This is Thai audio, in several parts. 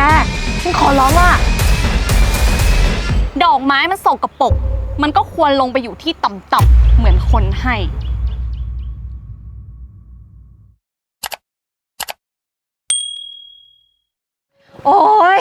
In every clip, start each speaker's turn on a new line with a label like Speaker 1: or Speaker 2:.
Speaker 1: ฉันขอร้องว่า
Speaker 2: ดอกไม้มันสกปรกมันก็ควรลงไปอยู่ที่ต่ำๆเหมือนคนให้โอ๊ย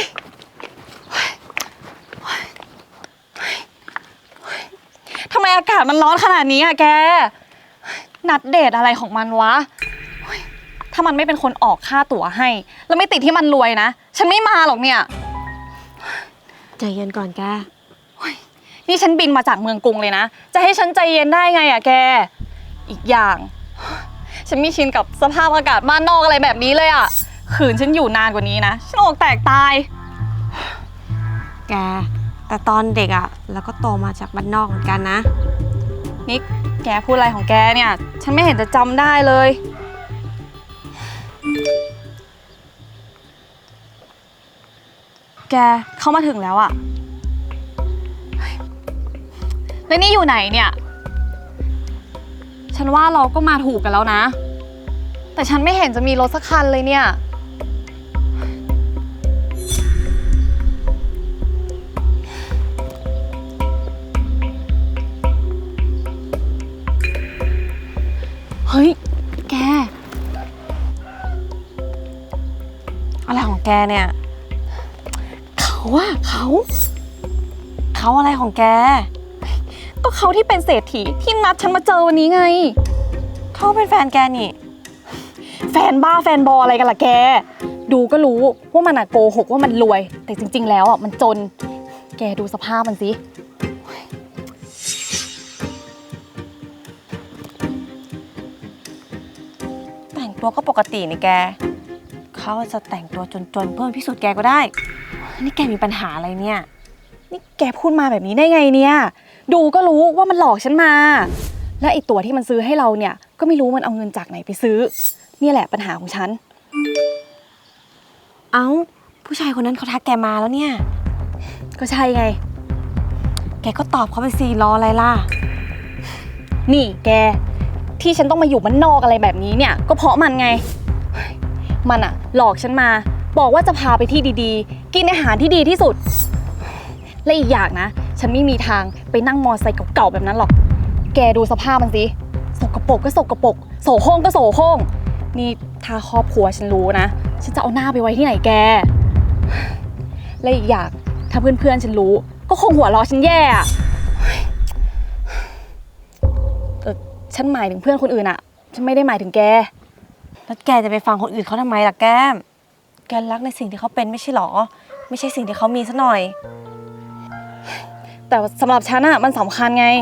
Speaker 2: ทำไมอากาศมันร้อนขนาดนี้อะแกนัดเดทอะไรของมันวะถ้ามันไม่เป็นคนออกค่าตั๋วให้แล้วไม่ติดที่มันรวยนะฉันไม่มาหรอกเนี่ย
Speaker 1: ใจเย็นก่อนแก
Speaker 2: นี่ฉันบินมาจากเมืองกรุงเลยนะจะให้ฉันใจเย็นได้ไงอะแกอีกอย่างฉันไม่ชินกับสภาพอากาศบ้านนอกอะไรแบบนี้เลยอะขืนฉันอยู่นานกว่านี้นะฉันอกแตกตาย
Speaker 1: แกแต่ตอนเด็กอะแล้วก็โตมาจากบ้านนอกเหมือนกันนะ
Speaker 2: นี่แกพูดอะไรของแกเนี่ยฉันไม่เห็นจะจำได้เลยแกเข้ามาถึงแล้วอะแล้วนี่อยู่ไหนเนี่ยฉันว่าเราก็มาถูกกันแล้วนะแต่ฉันไม่เห็นจะมีรถสักคันเลยเนี่ยเฮ้ยแก
Speaker 1: อะไรของแกเนี่ยเขาอะไรของแก
Speaker 2: ก็เขาที่เป็นเศรษฐีที่นัดฉันมาเจอวันนี้ไง
Speaker 1: เขาเป็นแฟนแกนี่
Speaker 2: แฟนบ้าแฟนบออะไรกันล่ะแกดูก็รู้ว่ามันโกหกว่ามันรวยแต่จริงๆแล้วมันจนแกดูสภาพมันสิ
Speaker 1: แต่งตัวก็ปกตินี่แกเขาจะแต่งตัวจนๆเพื่อพิสูจน์แกก็ได้นี่แกมีปัญหาอะไรเนี่ย
Speaker 2: นี่แกพูดมาแบบนี้ได้ไงเนี่ยดูก็รู้ว่ามันหลอกฉันมาและไอตัวที่มันซื้อให้เราเนี่ยก็ไม่รู้มันเอาเงินจากไหนไปซื้อนี่แหละปัญหาของฉัน
Speaker 1: เอ้าผู้ชายคนนั้นเขาทักแกมาแล้วเนี่ย
Speaker 2: ก็ใช่ไง
Speaker 1: แกก็ตอบเขาไปสิรออะไรล่ะ
Speaker 2: นี่แกที่ฉันต้องมาอยู่บ้านนอกอะไรแบบนี้เนี่ยก็เพราะมันไงมันหลอกฉันมาบอกว่าจะพาไปที่ดีๆกินอาหารที่ดีที่สุดและอีกอย่างนะฉันไม่มีทางไปนั่งมอไซค์เก่าๆแบบนั้นหรอกแกดูสภาพมันสิสกปรกก็สกปรกโสโครกก็โสโครกนี่ถ้าครอบครัวฉันรู้นะฉันจะเอาหน้าไปไว้ที่ไหนแกและอีกอย่างถ้าเพื่อนๆฉันรู้ก็คงหัวเราะฉันแย่ฉันหมายถึงเพื่อนคนอื่นฉันไม่ได้หมายถึงแก
Speaker 1: แล้วแกจะไปฟังคนอื่นเขาทำไมล่ะแก้มแกรักในสิ่งที่เขาเป็นไม่ใช่หรอไม่ใช่สิ่งที่เขามีซะหน่อย
Speaker 2: แต่สำหรับฉันมันสำคัญไง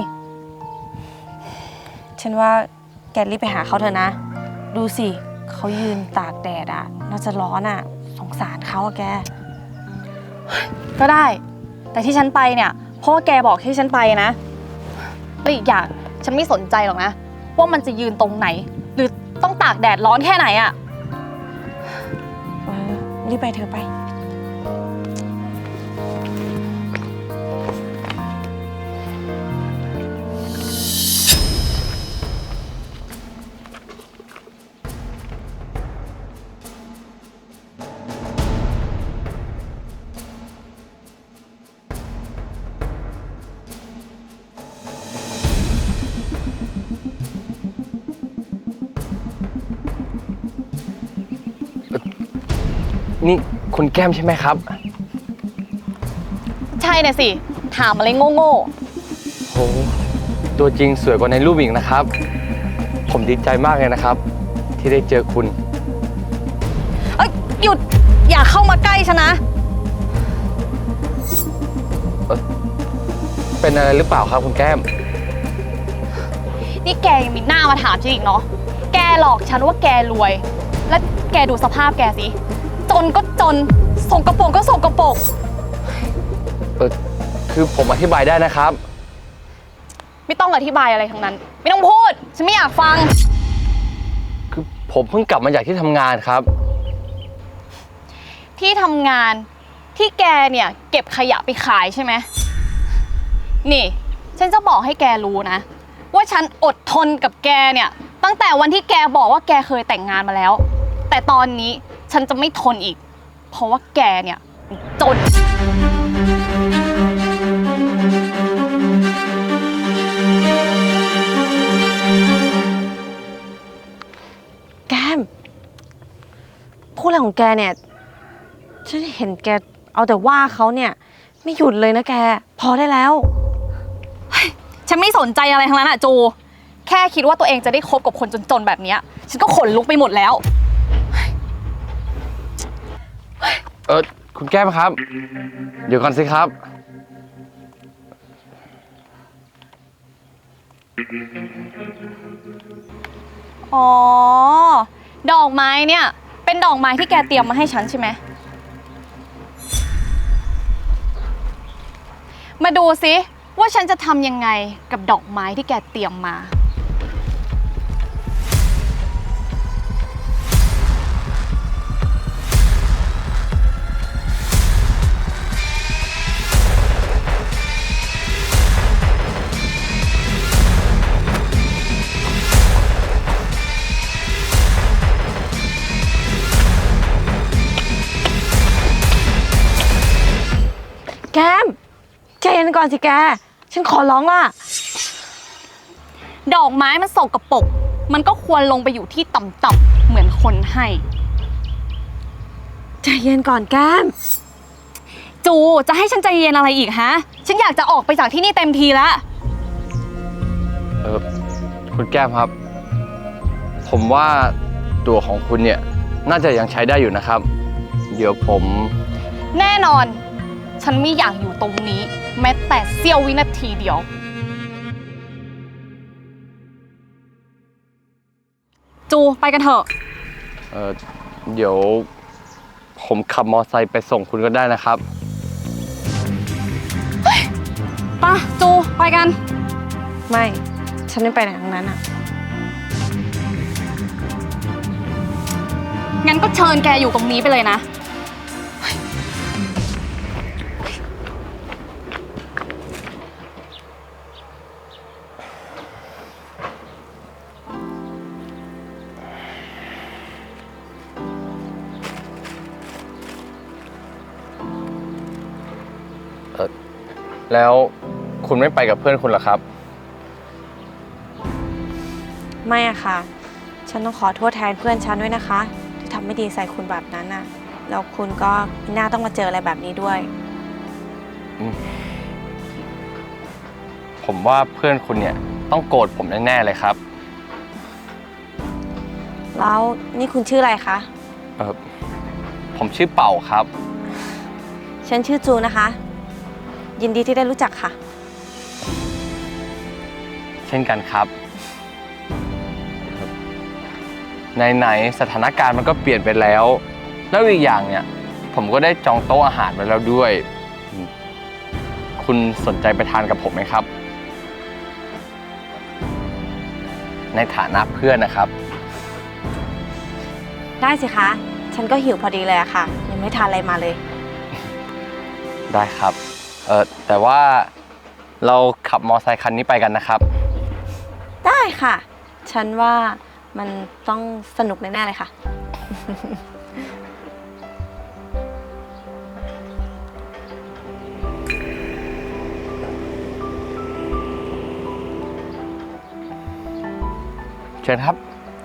Speaker 1: ฉันว่าแกรีบไปหาเขาเถอะนะดูสิเขายืนตากแดดน่าจะร้อนสงสารเขาแก
Speaker 2: ก็ได้แต่ที่ฉันไปเนี่ยเพราะว่าแกบอกให้ฉันไปนะแล้วอีกอย่างฉันไม่สนใจหรอกนะว่ามันจะยืนตรงไหนหรือต้องตากแดดร้อนแค่ไหน
Speaker 1: รีบไปเธอไป
Speaker 3: นี่คุณแก้มใช่ไหมครับ
Speaker 2: ใช่น่ะสิถามอะไรโง่
Speaker 3: โหตัวจริงสวยกว่าในรูปอีกนะครับผมดีใจมากเลยนะครับที่ได้เจอคุณ
Speaker 2: หยุดอย่าเข้ามาใกล้ฉันนะ
Speaker 3: เป็นอะไรหรือเปล่าครับคุณแก้ม
Speaker 2: นี่แกยังมีหน้ามาถามฉันอีกเนาะแกหลอกฉันว่าแกรวยและแกดูสภาพแกสิจนก็จนสกปรกก็สกปรก
Speaker 3: คือผมอธิบายได้นะครับ
Speaker 2: ไม่ต้องอธิบายอะไรทั้งนั้นไม่ต้องพูดฉันไม่อยากฟัง
Speaker 3: คือผมเพิ่งกลับมาจากที่ทำงานครับ
Speaker 2: ที่ทำงานที่แกเนี่ยเก็บขยะไปขายใช่ไหมนี่ฉันจะบอกให้แกรู้นะว่าฉันอดทนกับแกเนี่ยตั้งแต่วันที่แกบอกว่าแกเคยแต่งงานมาแล้วแต่ตอนนี้ฉันจะไม่ทนอีกเพราะว่าแกเนี่ยจน
Speaker 1: แก้มพูดอะไรของแกเนี่ยฉันเห็นแกเอาแต่ว่าเขาเนี่ยไม่หยุดเลยนะแกพอได้แล้ว
Speaker 2: ฉันไม่สนใจอะไรทั้งนั้นอะจู แค่คิดว่าตัวเองจะได้คบกับคนจนๆแบบเนี้ยฉันก็ขนลุกไปหมดแล้ว
Speaker 3: คุณแก้มครับ เดี๋ยวก่อนสิครับ
Speaker 2: อ๋อ ดอกไม้เนี่ยเป็นดอกไม้ที่แกเตรียมมาให้ฉันใช่ไหม มาดูซิว่าฉันจะทำยังไงกับดอกไม้ที่แกเตรียมมา
Speaker 1: แก้มใจเย็นก่อนสิแกฉันขอร้องล่ะ
Speaker 2: ดอกไม้มันสกปรกมันก็ควรลงไปอยู่ที่ต่ำๆเหมือนคนให้
Speaker 1: ใจเย็นก่อนแก้ม
Speaker 2: จูจะให้ฉันใจเย็นอะไรอีกฮะ ฉันอยากจะออกไปจากที่นี่เต็มทีแล้ว
Speaker 3: คุณแก้มครับ ผมว่าตัวของคุณเนี่ยน่าจะยังใช้ได้อยู่นะครับ เดี๋ยวผม
Speaker 2: แน่นอน ฉันไม่อยากอยู่ตรงนี้ แม้แต่เสี้ยววินาทีเดียว จูไปกันเถอะ
Speaker 3: เดี๋ยวผมขับมอไซค์ไปส่งคุณก็ได้นะครับ
Speaker 2: ไปะจูไปกัน
Speaker 1: ไม่ฉันไม่ไปไหนทั้งนั้นอ่ะ
Speaker 2: งั้นก็เชิญแกอยู่ตรงนี้ไปเลยนะ
Speaker 3: แล้วคุณไม่ไปกับเพื่อนคุณเหรอครับ
Speaker 1: ไม่อะค่ะ ฉันต้องขอโทษแทนเพื่อนฉันด้วยนะคะ ที่ทำไม่ดีใส่คุณแบบนั้นน่ะแล้วคุณก็ไม่น่าต้องมาเจออะไรแบบนี้ด้วย
Speaker 3: ผมว่าเพื่อนคุณเนี่ยต้องโกรธผมแน่ๆเลยครับ
Speaker 1: แล้วนี่คุณชื่ออะไรคะ
Speaker 3: ผมชื่อเป่าครับ
Speaker 1: ฉันชื่อจูนะคะ ยินดีที่ได้รู้จักค่ะ
Speaker 3: เช่นกันครับไหนๆสถานการณ์มันก็เปลี่ยนไปแล้ว แล้วอีกอย่างเนี่ยผมก็ได้จองโต๊ะอาหารไว้แล้วด้วย คุณสนใจไปทานกับผมไหมครับ ในฐานะเพื่อนนะครับ
Speaker 1: ได้สิคะ ฉันก็หิวพอดีเลยอะค่ะ ยังไม่ทานอะไรมาเลย
Speaker 3: ได้ครับแต่ว่าเราขับมอไซค์คันนี้ไปกันนะครับ
Speaker 1: ได้ค่ะ ฉันว่ามันต้องสนุกแน่ๆเลยค่ะ
Speaker 3: เชิญครับ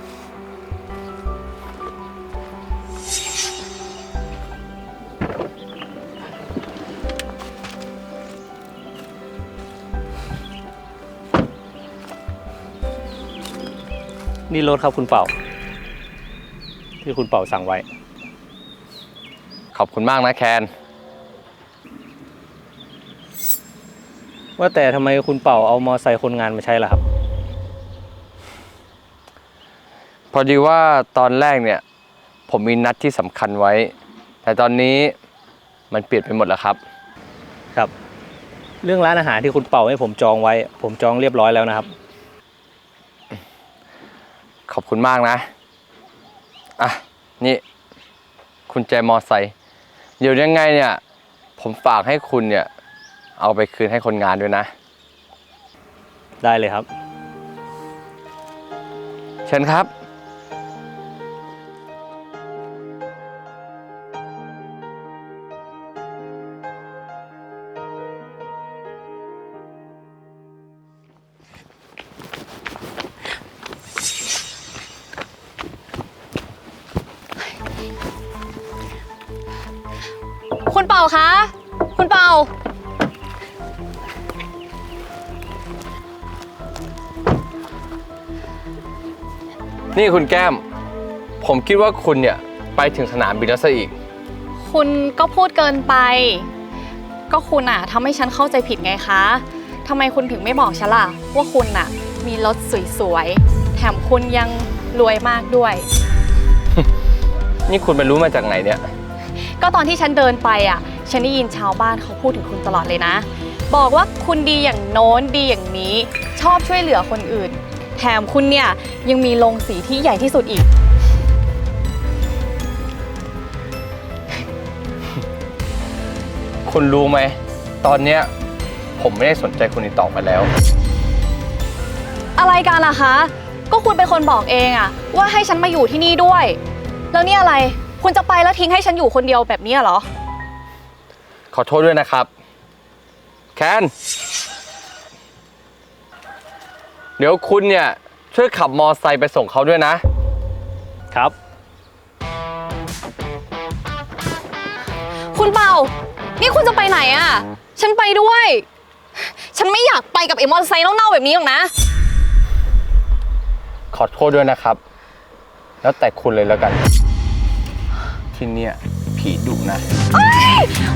Speaker 4: นี่รถครับคุณเป่า ที่คุณเป่าสั่งไว้
Speaker 3: ขอบคุณมากนะแคน
Speaker 4: ว่าแต่ทำไมคุณเป่าเอามอไซค์คนงานมาใช้ล่ะครับ
Speaker 3: พอดีว่าตอนแรกเนี่ยผมมีนัดที่สำคัญไว้ แต่ตอนนี้มันเปลี่ยนไปหมดแล้วครับ
Speaker 4: ครับ เรื่องร้านอาหารที่คุณเป่าให้ผมจองไว้ ผมจองเรียบร้อยแล้วนะครับ
Speaker 3: ขอบคุณมากนะ อ่ะ นี่คุณแจมอไซค์เดี๋ยวยังไงเนี่ย ผมฝากให้คุณเนี่ย เอาไปคืนให้คนงานด้วยนะ
Speaker 4: ได้เลยครับ
Speaker 3: เชิญครับ
Speaker 4: ค
Speaker 2: คุณเป่าคะ คุณเป่า
Speaker 3: นี่คุณแก้ม ผมคิดว่าคุณเนี่ยไปถึงสนามบินแล้วซะอีก
Speaker 2: คุณก็พูดเกินไป ก็คุณอะทำให้ฉันเข้าใจผิดไงคะทำไมคุณถึงไม่บอกฉันล่ะว่าคุณอะมีรถสวยๆ แถมคุณยังรวยมากด้วย
Speaker 3: นี่คุณไปรู้มาจากไหนเนี่ย
Speaker 2: ก็ตอนที่ฉันเดินไปอ่ะ ฉันได้ยินชาวบ้านเขาพูดถึงคุณตลอดเลยนะ บอกว่าคุณดีอย่างโน้นดีอย่างนี้ ชอบช่วยเหลือคนอื่น แถมคุณเนี่ยยังมีโรงสีที่ใหญ่ที่สุดอีก
Speaker 3: คุณรู้ไหม ตอนเนี้ยผมไม่ได้สนใจคุณอีกต่อไปแล้ว
Speaker 2: อะไรกันล่ะคะ ก็คุณเป็นคนบอกเองอะว่าให้ฉันมาอยู่ที่นี่ด้วย แล้วนี่อะไร คุณจะไปแล้วทิ้งให้ฉันอยู่คนเดียวแบบนี้เหรอ
Speaker 3: ขอโทษด้วยนะครับ แคน เดี๋ยวคุณเนี่ยช่วยขับมอไซค์ไปส่งเขาด้วยนะ
Speaker 4: ครับ
Speaker 2: คุณเป่า นี่คุณจะไปไหนอะฉันไปด้วย ฉันไม่อยากไปกับไอ้มอเตอร์ไซค์เน่าๆแบบนี้หรอกนะ
Speaker 3: ขอโทษด้วยนะครับ แล้วแต่คุณเลยแล้วกัน ที่เนี่ยผีดุนะ
Speaker 2: เอ้ย